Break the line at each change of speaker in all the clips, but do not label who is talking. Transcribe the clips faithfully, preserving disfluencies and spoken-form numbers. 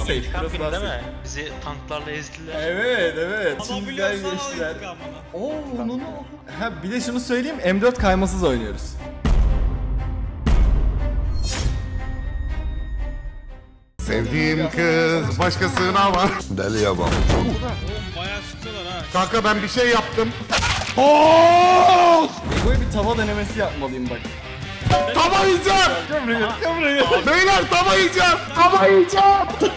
Safe.
İntikam
Burası
günü
daha
değil
safe.
mi? Bizi tanklarla ezdiler.
Evet evet. Çizgiler geçtiler. Oo onu. Ha bir de şunu söyleyeyim, M dört kaymasız oynuyoruz.
Sevdiğim kız başkasına var.
Deli yaban.
Oğlum bayağı sıkıyorlar ha.
Kanka ben bir şey yaptım.
Ego'ya bir tava denemesi yapmalıyım bak.
Tava yiyeceğim.
Kömreyi, kömreyi.
Beyler tava yiyeceğim. Tava yiyeceğim.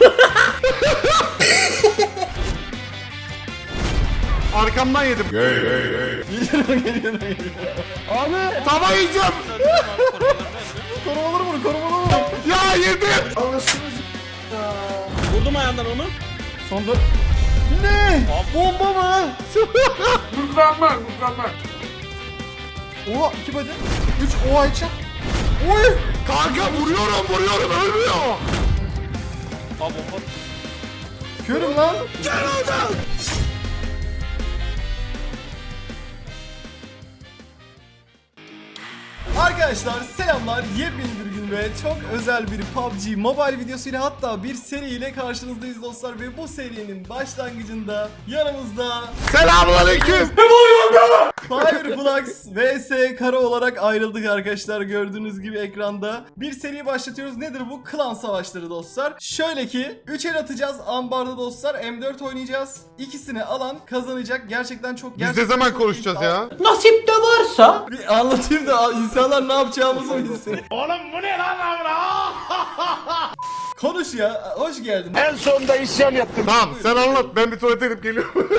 Arkamdan yedim.
Geliyor geliyor geliyor.
Abi tava yiyeceğim.
Korumaları vur, korumaları vur.
Ya yedim.
Vurdum ayağından onu.
Son dört. Ne? Bomba mı?
Mükemmel mükemmel.
Oha iki body. Üç oha headshot. Oy.
Kanka vuruyorum vuruyorum ölmüyor.
Aa bomba.
Körüm lan. Arkadaşlar selamlar, yepyeni bir gün ve çok özel bir P U B G Mobile videosuyla, hatta bir seriyle karşınızdayız dostlar. Ve bu serinin başlangıcında yanımızda
Selamünaleyküm.
Fireflux vs Kara olarak ayrıldık arkadaşlar, gördüğünüz gibi ekranda. Bir seri başlatıyoruz. Nedir bu? Klan savaşları dostlar. Şöyle ki üç el atacağız ambarda dostlar, M dört oynayacağız. İkisini alan kazanacak. Gerçekten çok
Biz
gerçekten
ne zaman
çok
konuşacağız ya?
Nasip de varsa
Bir anlatayım da insanlar ne yapacağımızı bilsin.
Oğlum bu ne lan lan?
Konuş ya. Hoş geldin.
En sonunda isyan yaptım. Tamam sen anlat, ben bir tuvalete gidip geliyorum.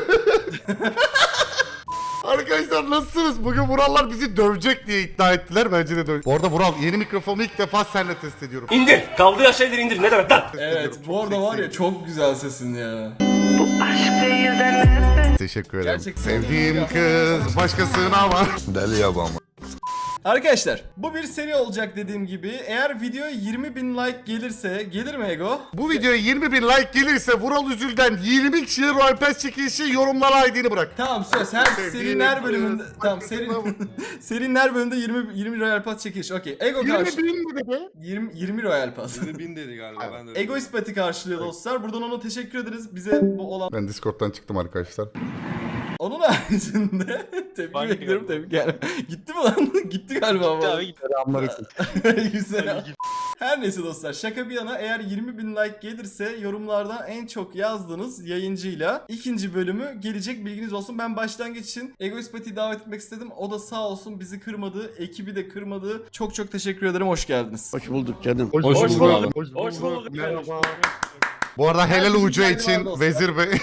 Arkadaşlar nasılsınız? Bugün Vurallar bizi dövecek diye iddia ettiler. Bence de dövecek. Bu arada Vural yeni mikrofonu ilk defa seninle test ediyorum.
indir. Kaldığı aşağıya indir. Ne demek lan?
Evet bu arada var ya, çok güzel sesin ya.
Teşekkür ederim.
Gerçekten.
Sevdiğim kız başkasına var.
Deli yaban.
Arkadaşlar bu bir seri olacak dediğim gibi. Eğer videoya yirmi bin like gelirse, gelir mi Ego?
Bu videoya yirmi bin like gelirse Vural Üzül'den yirmi kişiye Royal Pass çekilişi, yorumlara I D'ni bırak.
Tamam söz. Her
Sevdiğim
serinin her
kız,
bölümünde tamam
başkasına
serinin
var.
serinin her bölümünde yirmi yirmi Royal Pass çekiliş. Okey. Ego karşı
yirmi bin mi dedi?
yirmi yirmi Royal Pass.
yirmi bin dedi galiba, ben de.
Ego ispati karşılıyor dostlar. Buradan ona teşekkür ederiz. Bize bu olan
Ben Discord'dan çıktım arkadaşlar.
onun haricinde tepki
Ben
bekliyorum,
gidiyorum.
tepki gel. Gitti mi lan? Gitti galiba bu.
Abi gitti.
Güzel. Her neyse dostlar, şaka bir yana, eğer yirmi bin like gelirse yorumlardan en çok yazdığınız yayıncıyla ikinci bölümü gelecek, bilginiz olsun. Ben başlangıç için Egoist Pati'yi davet etmek istedim. O da sağ olsun bizi kırmadı. Ekibi de kırmadı. Çok çok teşekkür ederim. Hoş geldiniz.
Hoş bulduk canım.
Hoş,
bulduk
bulduk.
abi.
Hoş
Hoş bulduk.
Merhaba. Bu arada helal
Herkesin
ucu
kendi
için
vardı olsun.
Vezir Bey.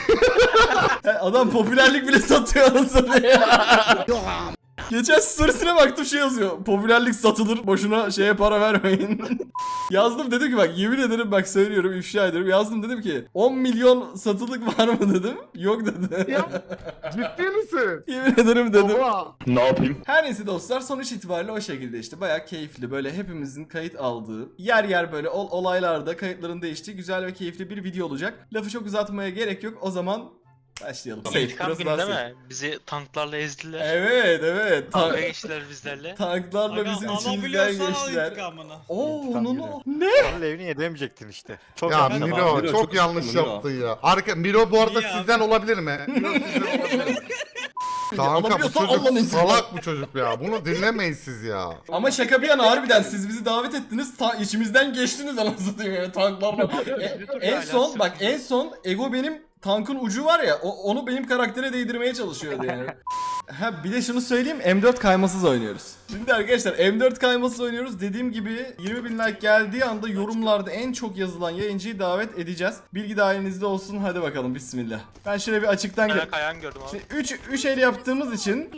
Adam popülerlik bile satıyor anasını ya. Geçen storiesine baktım, şey yazıyor. Popülerlik satılır, boşuna şeye para vermeyin. Yazdım, dedim ki bak yemin ederim, bak söylüyorum, ifşa ediyorum. Yazdım, dedim ki on milyon satılık var mı dedim. Yok dedi.
Ciddi misin?
Yemin ederim dedim.
Baba.
Ne yapayım?
Her neyse dostlar, sonuç itibariyle o şekilde işte bayağı keyifli, böyle hepimizin kayıt aldığı, yer yer böyle ol olaylarda kayıtların değiştiği güzel ve keyifli bir video olacak. Lafı çok uzatmaya gerek yok. O zaman başlayalım. Safe,
İntikam
burası
günü
daha
değil
safe.
mi? Bizi tanklarla ezdiler.
Evet evet. Ta-
Tanka geçtiler bizlerle.
tanklarla
Aga,
bizim içimizden
alabiliyorsan al
geçtiler.
intikamını.
Oo
İntikam
no
günü.
no. Ne?
Onun evini yedemeyecektin işte. Çok
Ya
yanlış
Milo,
ama.
çok,
Milo çok
yanlış
üzüldüm, Milo.
yaptın ya. Arka Milo bu arada
Niye
sizden
abi?
olabilir mi? Milo sizden olabilir mi? Kanka bu
alabiliyorsan Allah'ın
çocuk
intikamı.
salak bu çocuk ya. Bunu dinlemeyin siz ya.
Ama şaka bir yana, harbiden siz bizi davet ettiniz, ta içimizden geçtiniz anasını satayım yani tanklarla. E- en son bak, en son Ego benim tankın ucu var ya, o- onu benim karaktere değdirmeye çalışıyordu yani. Ha bir de şunu söyleyeyim, M dört kaymasız oynuyoruz. Şimdi arkadaşlar M dört kaymasız oynuyoruz. Dediğim gibi yirmi bin like geldiği anda yorumlarda en çok yazılan yayıncıyı davet edeceğiz. Bilgi dahilinizde olsun, hadi bakalım bismillah. Ben şöyle bir açıktan gel.
Ayak ayağını gördüm abi.
üç üç el yaptığımız için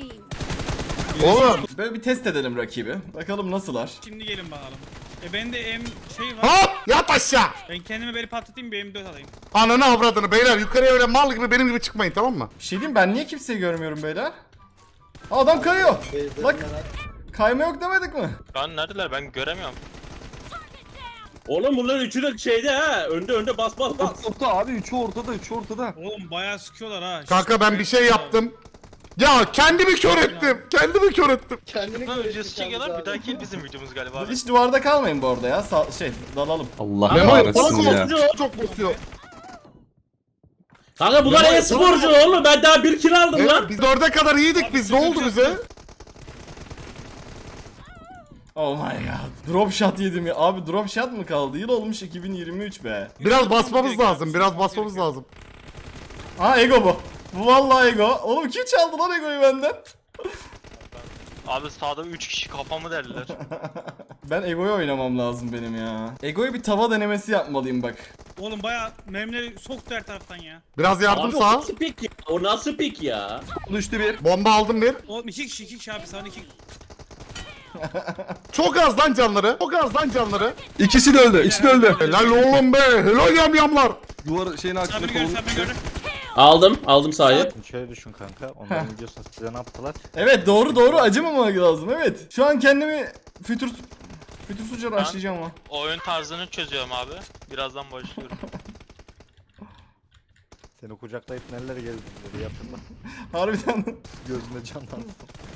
Oğlum.
böyle bir test edelim rakibi. Bakalım nasıllar.
Şimdi gelin bakalım. E bende M şey var.
Hop yat aşağı.
Ben kendime beni patlatayım, bir M dört alayım.
Ananı avradını beyler, yukarıya öyle mal gibi benim gibi çıkmayın, tamam mı?
Bir şey diyeyim, ben niye kimseyi görmüyorum beyler? Aa, adam kayıyor. Bak, kayma yok demedik mi?
Şu an neredeler, ben göremiyorum.
Oğlum bunların üçü de şeyde ha. Önde önde bas bas bas.
Orta abi, üçü ortada, üçü ortada.
Oğlum bayağı sıkıyorlar ha.
Kanka ben bir şey yaptım. Ya kendimi kör ettim. Kendimi kör ettim.
Bu videosu çekiyorlar, bir dahaki el bizim videomuz galiba abi.
Hiç duvarda kalmayın bu arada ya. Sa- şey, dalalım.
Allah
Memo
kahretsin
bana
ya.
basıyor, çok basıyor.
Kanka bunlar
Ya,
e-sporcu oğlum. Ben daha bir kill aldım
Evet,
lan.
biz dörde kadar iyiydik biz. Ne oldu bize?
Oh my god. Drop shot yedim ya. Abi drop shot mı kaldı? Yıl olmuş iki bin yirmi üç be.
Biraz basmamız lazım. Biraz basmamız lazım.
Ha ego bu. Bu vallahi ego. Oğlum kim çaldı lan egoyu benden?
Abi sağda üç kişi kafamı derdiler.
Ben egoyu oynamam lazım benim ya. Egoyu bir tava denemesi yapmalıyım bak.
Oğlum baya mermileri soktu her taraftan ya.
Biraz yardım
Abi o
sağ.
nasıl pik ya? O nasıl pik ya?
Düştü bir.
Bomba aldım bir.
Oğlum iki kişi iki kişi abi sana iki.
Çok az lan canları. Çok az lan canları.
İkisi de öldü. İkisi de öldü.
Helal oğlum be. Helal yamyamlar.
Duvar şeyin
Sabri
arkasında
gör
kolunu.
Sabri gör.
Aldım. Aldım sahayı.
Şöyle düşün kanka. Onların videosunu size ne yaptılar?
Evet doğru doğru acımamak lazım evet. Şu an kendimi fütür fütursuzca başlayacağım ama.
Oyun tarzını çözüyorum abi. Birazdan başlıyorum.
Seni kucaklayıp neler gezdirdiler yapın lan.
Harbiden.
Gözünde canlansın.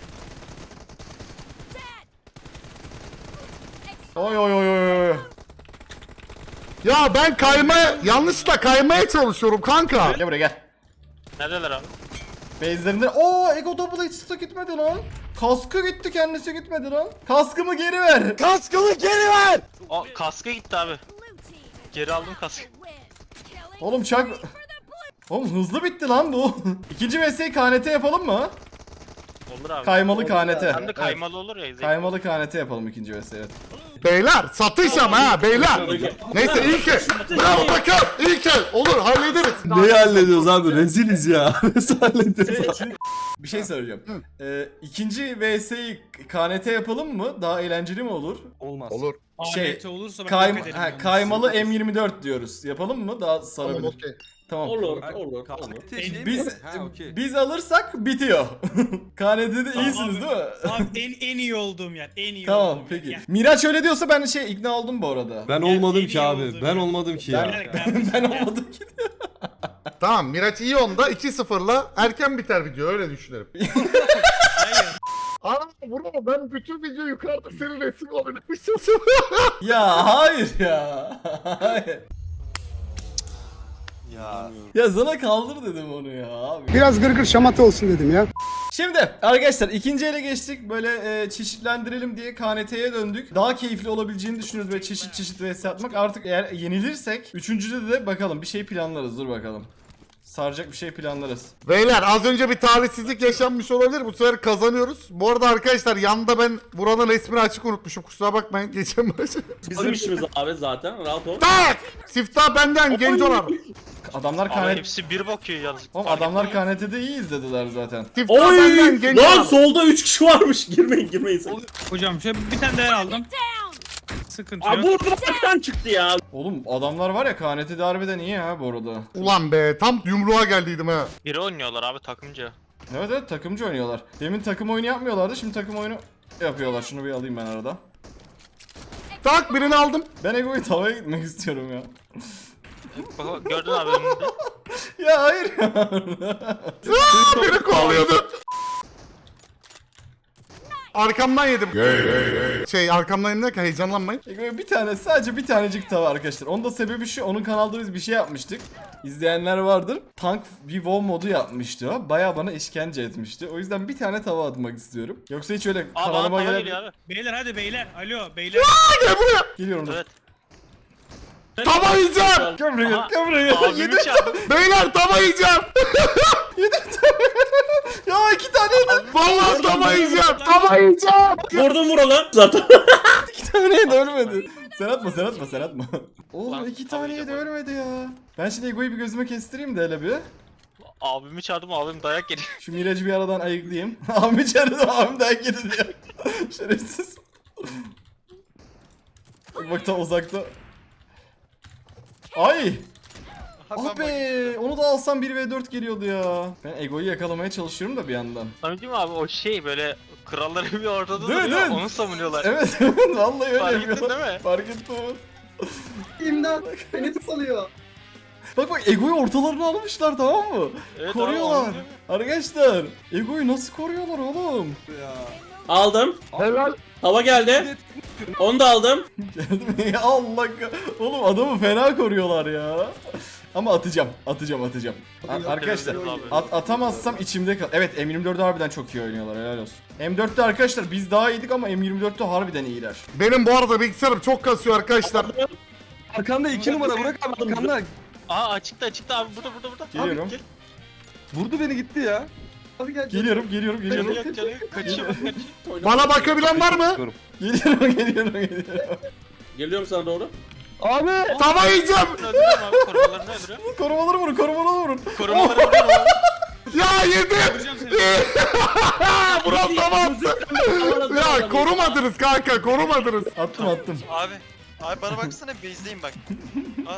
Oy oy oy oy oy.
Ya ben kaymaya, yanlışlıkla kaymaya çalışıyorum kanka.
Gel buraya gel.
Neredeler abi?
Base'lerinde ooo Ego Double H'si gitmedi lan. Kaskı gitti kendisi gitmedi lan. Kaskımı geri ver.
Kaskımı geri ver.
O kaskı gitti abi. Geri aldım kaskı.
Oğlum çak. Oğlum hızlı bitti lan bu. İkinci V S'yi K N T yapalım mı?
Olur abi.
Kaymalı K N T.
Hem de kaymalı olur ya. zevkli.
Kaymalı K N T yapalım ikinci V S evet.
Beyler satış ama ha beyler. Neyse ilk el. Bravo takım. İlk el. Olur hallederiz.
Neyi hallediyoruz abi? Reziliz ya. Nasıl hallediyoruz?
Bir şey söyleyeceğim. Ee, ikinci V S'yi K N T yapalım mı? Daha eğlenceli mi olur?
Olmaz.
Olur.
Şey,
A N T olursa ben
Kaym
yok ederim
ha,
yalnız.
kaymalı M yirmi dört diyoruz. Yapalım mı? Daha sarabilir.
Tamam okey.
Tamam.
Olur, olur, olur.
Biz biz alırsak bitiyor. K N T'de iyisiniz
abi.
değil mi?
Abi en, en iyi olduğum yer. En iyi
Tamam
olduğum
peki.
yer.
Miraç öyle diyorsa ben şey ikna oldum bu arada.
Ben
Ya,
olmadım
en
ki
iyi
abi.
oldu
Ben
ya.
olmadım ki
Gel,
ya.
gel.
Ben olmadım ki.
Tamam Miraç iyi onda iki sıfırla erken biter video öyle düşünelim.
Hayır.
Aa bro ben bütün video yukarıda senin resim oynamışım.
Ya hayır ya. Hayır.
Ya.
Ya sana kaldır dedim onu ya abi.
Biraz gırgır şamata olsun dedim ya.
Şimdi arkadaşlar ikinci ele geçtik. Böyle e, çeşitlendirelim diye K N T'ye döndük. Daha keyifli olabileceğini düşünüyoruz böyle çeşit çeşit V S atmak. Artık eğer yenilirsek üçüncüde de bakalım bir şey planlarız. Dur bakalım. Saracak bir şey planlarız.
Beyler az önce bir talihsizlik yaşanmış olabilir. Bu sefer kazanıyoruz. Bu arada arkadaşlar yanında ben buranın resmini açık unutmuşum. Kusura bakmayın. Geçen maç.
Bizim işimiz abi zaten. Rahat ol.
Tak! Siftah benden genç olan.
Adamlar
Abi
K N T...
hepsi bir bakıyor yalnız.
Oğlum
Fark
adamlar
ettin mi?
K N T'de iyi izlediler zaten.
Siftah
Oy!
benden genç
Lan
olan.
solda üç kişi varmış. Girmeyin, girmeyin. sakın.
Hocam şöyle bir tane daha aldım. Sıkıntı
Abi
yok.
bu uzaktan çıktı ya.
Oğlum adamlar var ya K N T'de harbiden iyi ha bu arada.
Ulan be tam yumruğa geldiydim ha.
Biri oynuyorlar abi takımcı.
Evet evet takımcı oynuyorlar. Demin takım oyunu yapmıyorlardı şimdi takım oyunu yapıyorlar. Şunu bir alayım ben arada.
Tak birini aldım.
Ben Ego'yu tavaya gitmek istiyorum ya.
Bak, gördün abi önünde.
Ya hayır ya.
Aa, beni kovalıyordu. Arkamdan yedim. Şey arkamdan yedim derken heyecanlanmayın.
Ego'ya bir tane sadece bir tanecik tava arkadaşlar. Onun da sebebi şu, onun kanalda biz bir şey yapmıştık. İzleyenler vardır. Tank bir WoW modu yapmıştı o. Baya bana işkence etmişti. O yüzden bir tane tava atmak istiyorum. Yoksa hiç öyle
Aa bana
kanalıma
tava
gelen...
geliyor abi.
Beyler hadi beyler. Alo beyler.
Gel buraya.
Geliyorum dur.
Evet.
Tava yiyeceğim.
Gel buraya
Aha,
gel, gel buraya gel.
Abimi
Yedim.
çağırdım.
Beyler tava yiyeceğim.
Ya iki tane yedim.
Vallahi tava yiyeceğim. Tava yiyeceğim.
Vurdum vuralı zaten.
İki tane yedi ölmedi. Sen atma sen atma sen atma. Oğlum
Lan,
iki tane
tabii
yedi
ki.
ölmedi ya. Ben şimdi Ego'yu bir gözüme kestireyim de hele bir.
Abimi çağırdım abim dayak yedi.
Şu Miracı bir aradan ayıklayayım. Abim içeride abim dayak yedi diyor. Şerefsiz. Bak bak tam uzakta. Ay! Ah be! Onu da alsam bir ve dört geliyordu ya. Ben Ego'yu yakalamaya çalışıyorum da bir yandan.
Sana diyeyim mi abi o şey böyle kralları bir ortada
Değil mi,
duruyor
değil mi?
onu savunuyorlar.
Evet evet vallahi öyle
Fark ettin
yapıyorlar.
değil mi?
Fark ettim.
İmdat beni tutalıyor.
Bak bak Ego'yu ortalarına almışlar tamam mı?
Evet,
Koruyorlar.
abi, onu
Arkadaşlar Ego'yu nasıl koruyorlar oğlum?
Aldım.
Helal.
Hava geldi. Onu da aldım.
Geldim ya Allah ka- Oğlum adamı fena koruyorlar ya. Ama atacağım. Atacağım atacağım. A- arkadaşlar at- atamazsam içimde kal. Evet M yirmi dört'ü harbiden çok iyi oynuyorlar. Helal olsun. M dört'te arkadaşlar biz daha iyiydik ama M yirmi dört'te harbiden iyiler.
Benim bu arada bilgisayarım çok kasıyor arkadaşlar.
Arkanda iki numara bırak abi arkanda.
Aa açıkta açıkta abi burada burada burada.
Geliyorum.
Abi, gel.
Vurdu beni gitti ya.
Abi gel.
Geliyorum geliyorum geliyorum.
Canı yok canı yok. Kaçıyor bak kaçıyor.
Bana bakabilen var mı?
Geliyorum geliyorum geliyorum.
Geliyorum sana doğru.
Abi.
Tava yiyeceğim.
Öldürüyorum abi korumalarını öldürüyorum.
Korumaları vurun korumaları vurun.
Korumaları vuruyorum abi.
Ya yedim.
Vuracağım seni.
Burak tava attı. Ya korumadınız kanka korumadınız.
Attım attım.
Abi. Abi bana baksana base'deyim bak. Aa,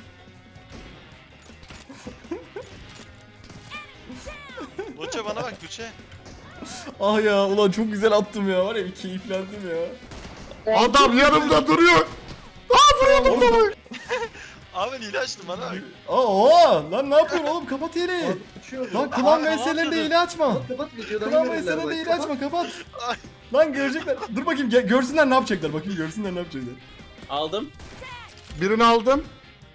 Buçe bana bak Buçe.
Ah ya ulan çok güzel attım ya. Var ya bir keyiflendim ya.
Adam yanımda duruyor. Aa vuruyordum tavayı.
Abi hile açtım bana bak.
Aa lan ne yapıyorsun oğlum kapat yeri.
Abi uçuyorum.
Lan klan vs'lerinde hile açma.
Kapat videodan
Klan
görürler
vs'lerinde
bak.
hile
Kapat.
açma kapat. Lan görecekler. Dur bakayım ge- görsünler ne yapacaklar bakayım görsünler ne yapacaklar.
Aldım.
Birini aldım.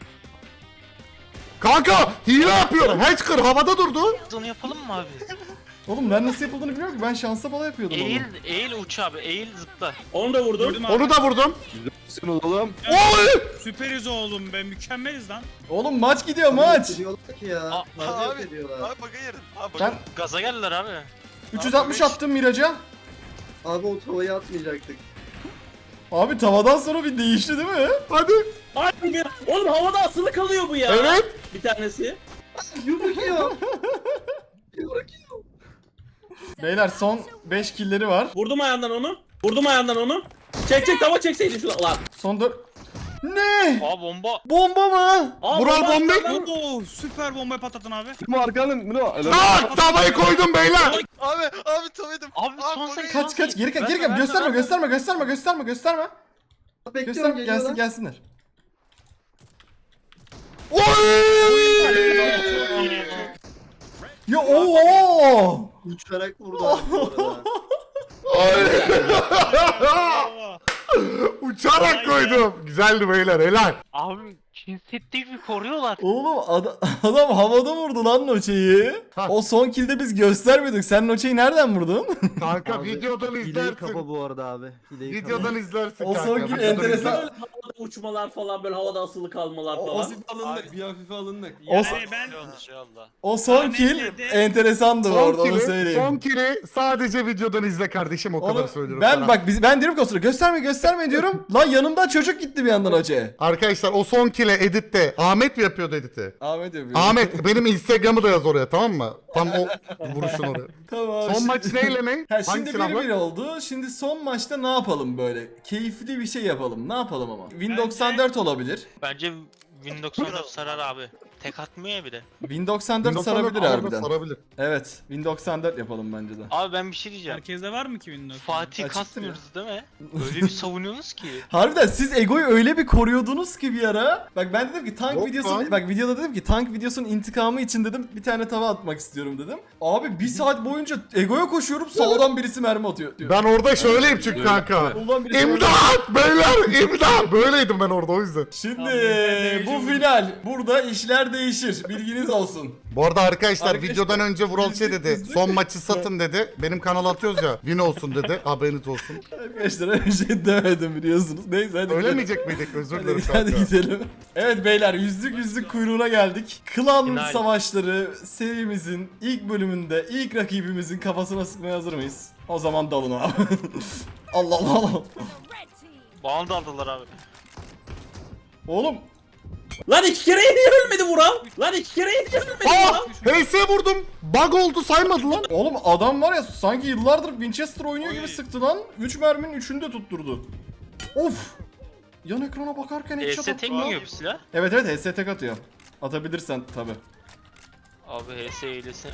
Kanka hile yapıyor. Hacker havada durdu.
Onu yapalım mı abi?
Oğlum ben nasıl yapıldığını bilmiyorum ki ben şansa bala yapıyordum
Eğil,
onu.
eğil uç abi, eğil zıpla.
Onu da vurdum.
Vurdum abi.
Onu da vurdum.
Sen oğlum.
Oy!
Süperiz oğlum be, mükemmeliz lan.
Oğlum maç gidiyor maç.
Ediyorlar ki ya.
Aa,
Nazar
abi,
ediyorlar.
Abi baka girdim. Abi baka.
Ben
Gaza geldiler abi.
üç yüz altmış attım Miraç'a.
Abi o tavayı atmayacaktık.
Abi tavadan sonra bir değişti değil mi?
Hadi.
Ay bir. Oğlum havada asılı kalıyor bu ya.
Evet.
Bir tanesi.
Yumruk yiyor. Yumruk yiyor.
Beyler son beş killleri var.
Vurdum ayağından onu. Vurdum ayağından onu. Çek çek tava çekseydin şunu lan.
Son dört. Ne?
Aa bomba.
Bomba mı?
Aa,
Vural
bomba
bomba.
attı lan.
Oo, süper bombayı patlatın abi.
Kim arkanın? Mino.
Tak tavayı koydum beyler.
Abi abi tavaydım.
Abi son
baka
sayı.
girdim.
Kaç kaç geri geri
Verme,
geri
verme,
gösterme
verme.
gösterme gösterme gösterme gösterme.
Bekliyorum
Göster gelsin
geliyorlar.
gelsinler.
Oy!
Ya ooo!
Uçarak vurdu abi bu arada.
Uçarak koydum. Güzeldi beyler helal.
Abi cinsiyetli gibi koruyorlar.
Oğlum adam, adam havada vurdu lan Noçe'yi.
Ha.
O son kill'de biz göstermedik. Sen Noçe'yi nereden vurdun?
Kanka
Abi,
videodan
Hileyi
izlersin.
kapa bu arada abi. Hileyi
Videodan izlersin
O
kanka.
son kill
videodan
enteresan.
izlersin.
Böyle havada uçmalar falan böyle havada asılı kalmalar
O- o-
falan.
Abi.
Bir hafife alındık.
O,
Yani ben
İnşallah.
o son
Yani
kill
dedi-
enteresandı bu
Son
arada onu
kili,
söyleyeyim.
son kili sadece videodan izle kardeşim o kadar
Onu-
söylüyorum
ben
sana.
bak biz, ben diyorum ki o sırada gösterme gösterme diyorum. Lan yanımda çocuk gitti bir yandan Noçe.
Arkadaşlar o son kile editte Ahmet mi yapıyordu editi?
Ahmet yapıyor.
Ahmet benim Instagram'ı da yaz oraya tamam mı? Tam o vuruşun oraya.
Tamam.
Son
şimdi-
maç neyle ne?
Ha, şimdi
Hangisini
bir
abla?
bir oldu. Şimdi son maçta ne yapalım böyle? Keyifli bir şey yapalım. Ne yapalım ama? Win doksan dört olabilir.
Bence Win doksan dört sarar abi. Tek atmıyor ya bir de.
Win doksan dört
Windows
sarabilir
arada
harbiden.
Sarabilir.
Evet. Win doksan dört yapalım bence de.
Abi ben bir şey diyeceğim.
herkeste var mı ki Windows?
Fatih
Açıktır
kasmıyoruz değil mi? Öyle bir savunuyorsunuz ki.
Harbiden siz Ego'yu öyle bir koruyordunuz ki bir ara. Bak ben dedim ki tank
Yok
videosu
lan.
bak videoda dedim ki tank videosunun intikamı için dedim bir tane tava atmak istiyorum dedim. Abi bir saat boyunca Ego'ya koşuyorum sağdan birisi mermi atıyor diyor.
Ben orada şöyleyim çünkü kanka.
Soldan birisi mermi
İmdat beyler imdat. Böyleydim ben orada o yüzden.
Şimdi
Tamam, ben
bu
değişiyorum.
final. Burada işler değişir. Bilginiz olsun.
Bu arada arkadaşlar,
Arkadaşlar,
videodan önce Vural şey dedi.
yüzlük-
Son maçı satın dedi. Benim kanala atıyoruz ya. Win olsun dedi. Haberiniz olsun.
Arkadaşlar öyle bir şey demedim biliyorsunuz. Neyse hadi
Öyle
gidelim.
miyecek miydik? Özür
Hadi,
dilerim
hadi
kanka.
gidelim. Evet beyler yüzlük yüzlük kuyruğuna geldik. Klan
Final.
savaşları serimizin ilk bölümünde ilk rakibimizin kafasına sıkmaya hazır mıyız? O zaman dalın abi. Allah Allah Allah.
Bana da aldılar abi.
Oğlum
Lan iki kere yedi ölmedi Vural. Lan iki kere yedi ölmedi
Aa!
Vural.
H S vurdum. Bug oldu saymadı lan.
oğlum adam var ya sanki yıllardır Winchester oynuyor gibi
Oy.
sıktı lan. üç merminin üçünü de tutturdu. Of. Yan ekrana bakarken
E
headshot
S
attı
tek
lan.
mi yiyor bu silah?
Evet evet H S tek atıyor. Atabilirsen tabi.
Abi H S eylesin.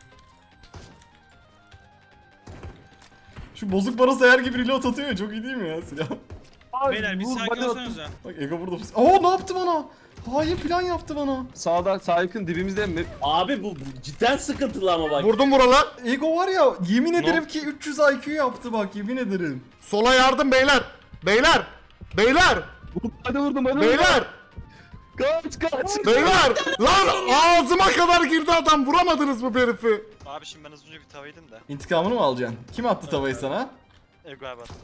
Şu bozuk para sayar gibi reload atıyor ya çok iyi değil mi ya silah?
Beyler bir sakin olsanıza.
Bak Ego burada. Aa ne yaptı bana? Hain plan yaptı bana.
Sağda sağ yakın dibimizde mi?
Abi bu, bu cidden sıkıntılı ama bak.
Vurdum Vural'a.
Ego var ya yemin
Ne
ederim
oldu?
ki üç yüz I Q yaptı bak yemin ederim.
Sola yardım beyler. Beyler. Beyler.
Hadi vurdum hadi vurdum.
Beyler.
Kaç kaç.
Beyler lan ağzıma kadar girdi adam, vuramadınız mı bu herifi?
Abi şimdi ben az önce bir tavaydım da.
İntikamını mı alacaksın? Kim attı tavayı sana?
Ego abi attı.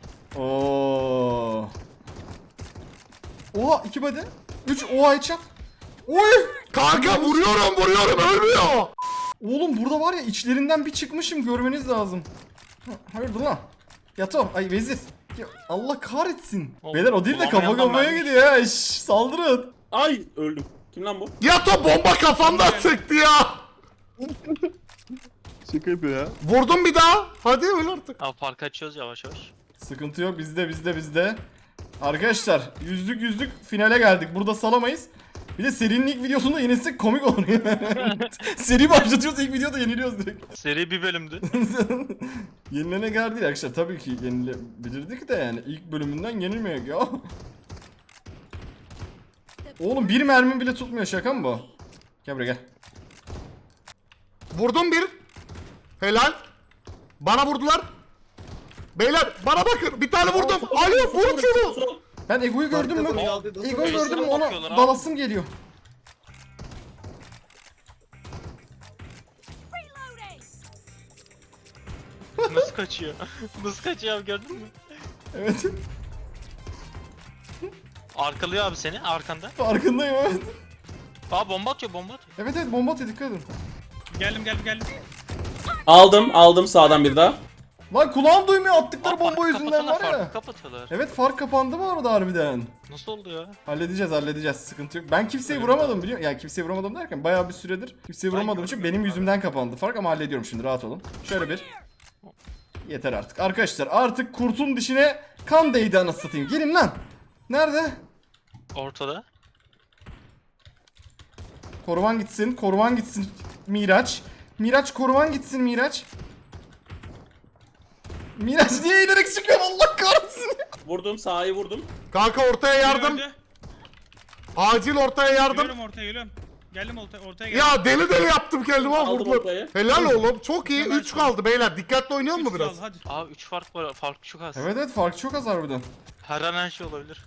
Oo. Oha iki body. üç oha headshot. Oy.
Kanka vuruyorum vuruyorum ölmüyor.
Oğlum burada var ya içlerinden bir çıkmışım, görmeniz lazım. Ha, hayırdır lan? Yato, ay vezir. Ya, Allah kahretsin.
Oğlum,
Beyler o değil de kafa
bulamayandan
kafaya
vermiş.
gidiyor ya. Şş, saldırın.
Ay öldüm. Kim lan bu?
Yato bomba kafamdan sıktı ya.
Şaka yapıyor ya.
Vurdum bir daha. Hadi öl artık.
Abi fark açıyoruz yavaş yavaş.
Sıkıntı yok, bizde bizde bizde. Arkadaşlar yüzlük yüzlük finale geldik. Burada salamayız. Bir de serinin ilk videosunda yenilsek komik olur. Seri başlatıyoruz, ilk videoda yeniliyoruz direkt.
Seri bir bölümdü.
Yenilene kadar değil arkadaşlar, tabii ki yenilebilirdik de yani ilk bölümünden yenilmiyor ya. Oğlum bir mermi bile tutmuyor, şaka mı bu? Gel buraya gel.
Vurdum bir. Helal. Bana vurdular. Beyler bana bakın, bir tane vurdum. Alo vur şunu.
Sol.
Ben Ego'yu gördün mü?
Arkasını aldı, nasıl
Ego'yu
Base'lere
gördüm mü ona
bakıyorlar abi.
dalasım geliyor.
Nasıl kaçıyor? Nasıl kaçıyor abi, gördün mü?
Evet.
Arkalıyor abi seni arkanda.
Farkındayım, evet.
Aa bomba atıyor bomba atıyor.
Evet evet, bomba atıyor, dikkat edin.
Geldim geldim geldim.
Aldım aldım sağdan bir daha.
Lan kulağım duymuyor attıkları
Aa,
bomba
farkı
yüzünden var
kapatıyorlar,
ya.
farkı kapatıyorlar.
Evet, fark kapandı mı arada harbiden?
Nasıl oldu ya?
Halledeceğiz halledeceğiz, sıkıntı yok. Ben kimseyi vuramadım biliyor musun? Yani kimseyi vuramadım derken bayağı bir süredir kimseyi vuramadığım için benim yüzümden kapandı fark, ama hallediyorum şimdi, rahat olun. Şöyle bir. Yeter artık. Arkadaşlar artık kurtun dişine kan değdi anasını satayım. Gelin lan. Nerede?
Ortada.
Koruman gitsin, koruman gitsin Miraç. Miraç koruman gitsin Miraç. Miraç niye eğilerek çıkıyor, Allah kahretsin.
Vurdum sağı vurdum.
Kanka ortaya yardım.
Öldü.
Acil ortaya yardım.
Geliyorum ortaya geliyorum. Geldim ortaya, ortaya geldim.
Ya deli deli yaptım kendime,
Aldım
vurdular.
ortaya.
Helal oğlum, çok iyi.
Hemen
üç kaldı beyler. Dikkatli oynayalım mı
Üç
biraz?
kal, hadi.
Aa üç fark var, fark çok az.
Evet evet, fark çok az harbiden.
Her an her şey olabilir.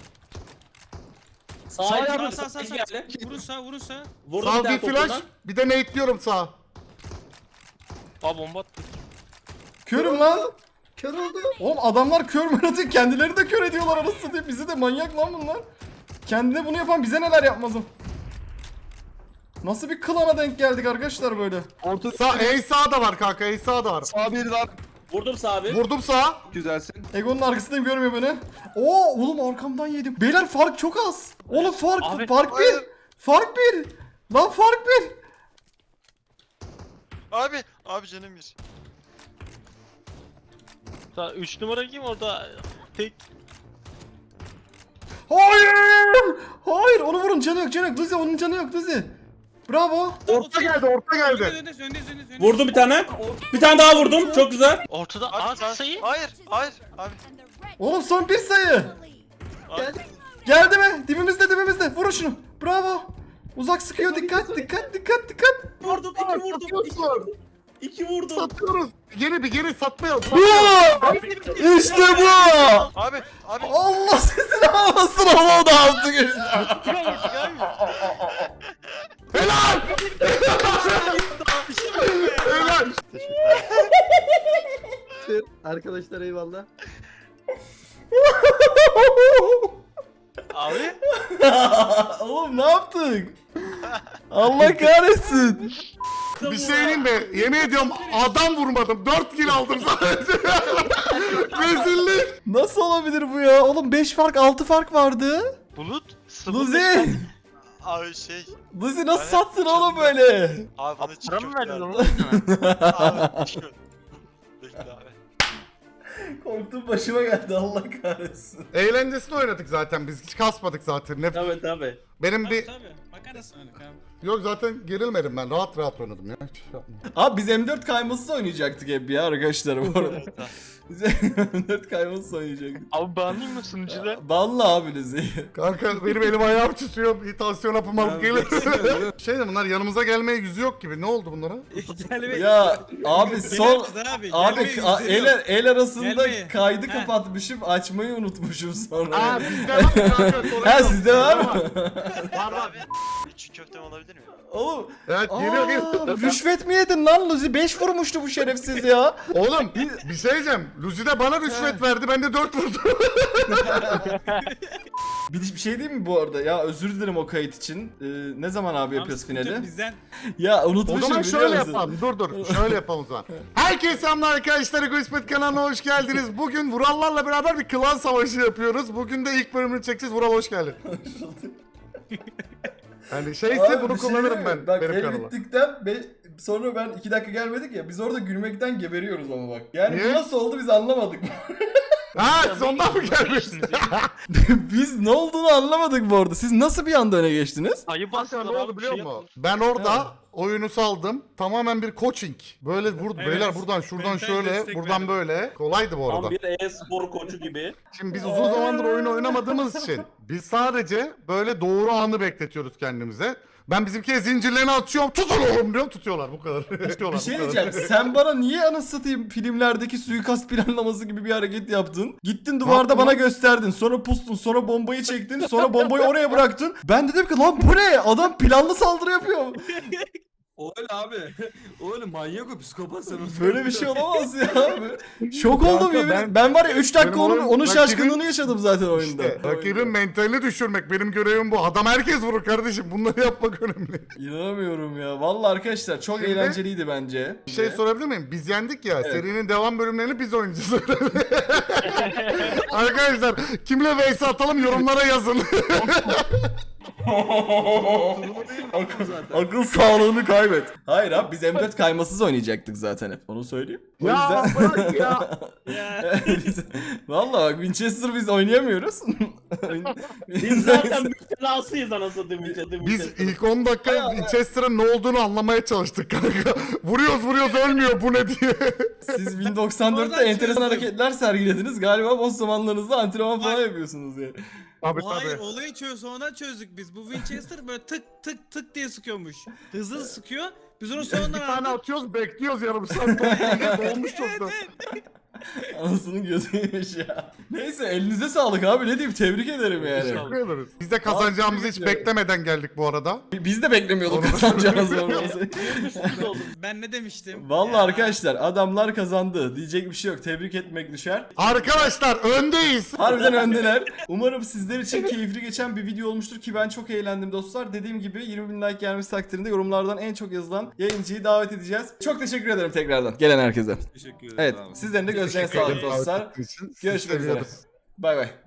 Sağa
Sağ
yardım.
sağ sağ sağ.
Geldi.
Vurun sağ vurun sağ.
Vurdum
Sağ
bir tane
bir flash,
topundan.
bir de nate'liyorum sağa.
Aa bomba attı.
Körüm lan.
Kör oldu.
Oğlum adamlar kör mü atıyor? Kendileri de kör ediyorlar anasını satayım. Bizi de manyak lan bunlar. Kendine bunu yapan bize neler yapmazım. Nasıl bir klana denk geldik arkadaşlar böyle.
Orta
Sağ, ey sağ da var kanka, ey sağ da var.
sağ bir daha.
Vurdum sağa bir.
Vurdum sağa.
Güzelsin.
Egon'un arkasındayım, görmüyor beni. Oo oğlum arkamdan yedim. Beyler fark çok az. Oğlum fark
Abi,
fark bir.
hayır.
Fark bir. Lan fark bir.
Abi abi canım bir.
Daha üç numara kim orada? Tek.
Hayır. Hayır onu vurun, canı yok canı yok. Luzi onun canı yok Luzi. Bravo.
Orta geldi, orta geldi.
Öndeyiz öndeyiz öndeyiz öndeyiz.
Vurdum bir tane. Bir tane daha vurdum. Çok güzel.
Ortada
Abi,
aa
sen-
sayı.
Hayır hayır abi.
Oğlum son bir sayı.
Geldi.
Geldi mi? Dibimizde dibimizde. Vurun şunu. Bravo. Uzak sıkıyor, dikkat dikkat dikkat dikkat.
Vurdum iki vurdum. İki vurdum. İki vurdum.
Satıyoruz. Geri bir geri satmayalım.
Bu! İşte bu!
Abi abi.
Allah sesini almasın, ama o da yaptı gençler.
Helal! Helal!
Arkadaşlar eyvallah.
Abi.
Oğlum ne yaptık? Allah kahretsin.
Bir şey diyeyim mi? Yemin ediyorum adam vurmadım. dört kill aldım sadece. Rezillik.
Nasıl olabilir bu ya? Oğlum beş fark altı fark vardı.
Bulut. sıfır
Luzi!
Abi şey.
Luzi nasıl
Aynen.
sattın oğlum böyle?
Abi bana
Para mı verdin
lan?
onu sana?
Abi çıkıyor. Bekle abi.
Korktum, başıma geldi, Allah kahretsin.
Eğlencesini oynadık zaten biz. Hiç kasmadık zaten. Ne...
Tabii tabii.
Benim
Tabii
bir
tabii. Bak Makarası oynadık abi.
Yok zaten gerilmedim ben. Rahat rahat oynadım ya. Hiç şey yapmadım.
Abi biz M dört kaymasız oynayacaktık hep ya arkadaşlar bu arada. Biz M dört kaymasız oynayacaktık.
Abi banlayayım mı sunucuda?
Vallahi abi Lüzi.
Kanka benim elim ayağım tutuyor. Bir tansiyon hapım alıp gelir. Şey de bunlar yanımıza gelmeye yüzü yok gibi. Ne oldu bunlara?
Gelme.
Ya abi son...
Abi,
Abi
gelmeyi
ka-
yüzdürüyor.
el, el arasında
Gelmeyi.
kaydı
Heh.
kapatmışım, açmayı unutmuşum sonra.
Aa bizde var mı kanka? Sorun
Ha
yok.
sizde var mı?
Var var.
Abi üç köftem olabilir mi?
Oğlum,
Evet geliyor geliyor.
aa, rüşvet mi yedin lan Luzi? beş vurmuştu bu şerefsiz ya.
Oğlum bir şey diyeceğim. Luzi de bana rüşvet verdi. Ben de dört vurdum.
Bir, bir şey değil mi bu arada? Ya özür dilerim o kayıt için. Ee, ne zaman abi yapıyoruz
Sıkıntı yok,
finali?
Bizden
Ya
O
unutmuşum
zaman
biliyor
şöyle
musun?
yapalım. Dur dur. Şöyle yapalım o zaman. Herkese selamlar arkadaşlar. Egoismet kanalına hoş geldiniz. Bugün Vurallarla beraber bir klan savaşı yapıyoruz. Bugün de ilk bölümünü çekeceğiz. Vural hoş geldin. Hani şeyse
Abi
bunu
bir şey
kullanırım
diyeyim mi?
ben.
Bak
benim
el
kanalıma.
bittikten be, sonra ben iki dakika gelmedik ya, biz orada gülmekten geberiyoruz ama bak. Yani
Niye?
bu nasıl oldu biz anlamadık.
Ha sondan mı gelmişsin?
Biz ne olduğunu anlamadık bu arada. Siz nasıl bir anda öne geçtiniz?
Ayı
Aslında
bastılar
ne
abi
oldu
bir
biliyor
şey
musun?
yapın.
Ben orada oyunu saldım. Tamamen bir coaching. Böyle vur
Evet.
beyler buradan şuradan
Mental
şöyle
destek
buradan
verdim.
böyle. Kolaydı bu arada.
Tam bir e-spor koçu gibi.
Şimdi biz uzun zamandır oyun oynamadığımız için biz sadece böyle doğru anı bekletiyoruz kendimize. Ben bizimkiye zincirlerini atıyorum. Tutun oğlum diyorum. Tutuyorlar bu kadar. Tutuyorlar,
Bir şey
bu kadar.
diyeceğim. Sen bana niye anasını satayım filmlerdeki suikast planlaması gibi bir hareket yaptın? Gittin duvarda
yaptım
bana
lan?
gösterdin. Sonra pustun. Sonra bombayı çektin. Sonra bombayı oraya bıraktın. Ben dedim ki lan bu ne? Adam planlı saldırı yapıyor.
O öyle abi. O öyle manyak o psikopat sen.
Böyle bir şey olamaz ya abi. Şok oldum
Kanka
yemin
ben-
Ben, var ya üç dakika
Benim
onun,
oyun-
onun
rakibim-
şaşkınlığını yaşadım zaten oyunda.
İşte rakibin mentalini düşürmek benim görevim bu. Adam herkes vurur kardeşim. Bunları yapmak önemli.
İnanamıyorum ya. Vallahi arkadaşlar çok
Şimdi-
eğlenceliydi bence.
Bir şey sorabilir miyim? Biz yendik ya. Serinin devam bölümlerini biz oynayacağız. Arkadaşlar kimle vs atalım yorumlara yazın.
akıl, akıl sağlığını kaybet. Hayır abi biz M dört kaymasız oynayacaktık zaten hep. Onu söyleyeyim. O
ya
yüzden...
bırak ya.
ya.
Biz- Vallahi bak Winchester biz oynayamıyoruz.
Biz zaten müptelasıyız anasını satayım.
Biz ilk on dakika Winchester'ın ne olduğunu anlamaya çalıştık kanka. Vuruyoruz vuruyoruz ölmüyor bu ne diye.
Siz Win doksan dörtte
Oradan
enteresan
çözdüm.
hareketler sergilediniz. Galiba boş zamanlarınızda antrenman falan yapıyorsunuz yani.
Abi
Hayır
tabii.
olayı çöz sonradan çözdük biz. Bu Winchester böyle tık tık tık diye sıkıyormuş. Hızlı sıkıyor. Biz onu
Bir
sonradan
tane
aldık.
atıyoruz bekliyoruz yarım saat. Olmuş çoktan.
Anasının gözüymüş ya. Neyse elinize sağlık abi, ne diyeyim, tebrik ederim yani.
Teşekkür ederiz. Biz de kazanacağımızı hiç beklemeden geldik bu arada.
Biz de beklemiyorduk kazanacağınızı olması.
Ben ne demiştim?
Vallahi
Ya.
arkadaşlar adamlar kazandı. Diyecek bir şey yok. Tebrik etmek düşer.
Arkadaşlar öndeyiz.
Harbiden öndeler. Umarım sizler için keyifli geçen bir video olmuştur ki ben çok eğlendim dostlar. Dediğim gibi yirmi bin like gelmesi takdirinde yorumlardan en çok yazılan yayıncıyı davet edeceğiz. Çok teşekkür ederim tekrardan gelen herkese.
Teşekkür ederim
Evet
abi.
sizlerin de gözlerine
Teşekkür
sağlık
ederim.
dostlar.
Davet ettiğiniz için. Sizi
Görüşmek üzere.
seviyoruz.
Bay bay.